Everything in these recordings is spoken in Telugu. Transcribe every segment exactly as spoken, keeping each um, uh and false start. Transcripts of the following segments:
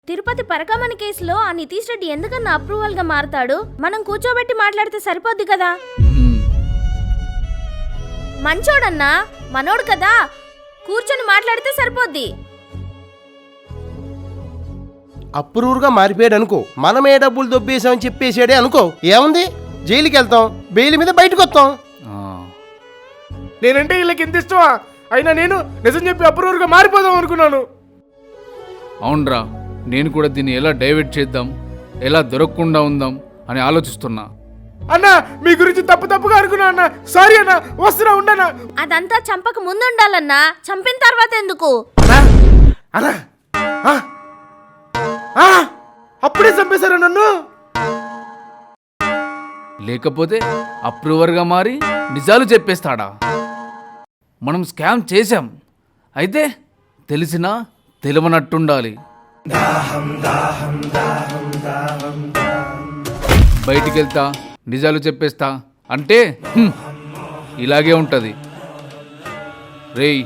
తిరుపతి పరకామణి కేసులో ఆ నితీష్ రెడ్డి ఎందుకన్నా అప్రూవల్ గా మారతాడు? మనం కూర్చోబెట్టి మాట్లాడితే సరిపోద్ది కదా. మంచోడన్నా, మనోడు కదా, కూర్చొని మాట్లాడితే సరిపోద్ది. అప్రూవ్గా మారిపోయాడు అనుకో, మనమే డబ్బులు దొబ్బేసామని చెప్పేసాడే అనుకో, ఏముంది, జైలుకి వెళ్తాం, బెయిల్ మీద బయటకు వస్తాం. నేనంటే వీళ్ళకి ఎంత ఇష్టమా, అయినా నేను నిజం చెప్పి అప్రూవ్గా మారిపోదాం అనుకున్నాను. అవునరా, నేను కూడా దీన్ని ఎలా డైవర్ట్ చేద్దాం, ఎలా దొరకకుండా ఉందాం అని ఆలోచిస్తున్నా. అన్నా, మీ గురించి తప్పు తప్పుగా అనుకున్నా అన్న, సారీ అన్న, వస్తున్నా ఉండనా. అదంతా చంపక ముందు ఉండాలన్నా, చంపిన తర్వాత ఎందుకు? అన్నా, అప్పుడే చంపేశారా నన్ను? లేకపోతే అప్రూవర్గా మారి నిజాలు చెప్పేస్తాడా? మనం స్కామ్ చేశాం, అయితే తెలిసినా తెలియనట్టుండాలి. బయటికి వెళ్తా నిజాలు చెప్పేస్తా అంటే హ్మ్, ఇలాగే ఉంటుంది. రేయ్,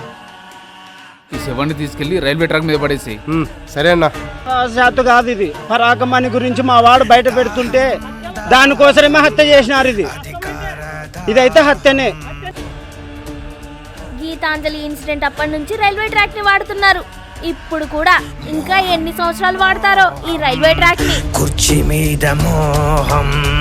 ఈ శవాన్ని తీసుకెళ్లి రైల్వే ట్రాక్ మీద పడేసి. సరే అన్నా. శాత కాదు ఇది, పరాకమణి గురించి మా వాడు బయట పెడుతుంటే దానికోసమే హత్య చేసినారు. ఇది ఇదైతే హత్యనే. గీతాంజలి ఇన్సిడెంట్ అప్పటి నుంచి రైల్వే ట్రాక్ ని వాడుతున్నారు. ఇప్పుడు కూడా ఇంకా ఎన్ని సంవత్సరాలు వాడతారో ఈ రైల్వే ట్రాక్ ని. కుర్చీ మీద మోహం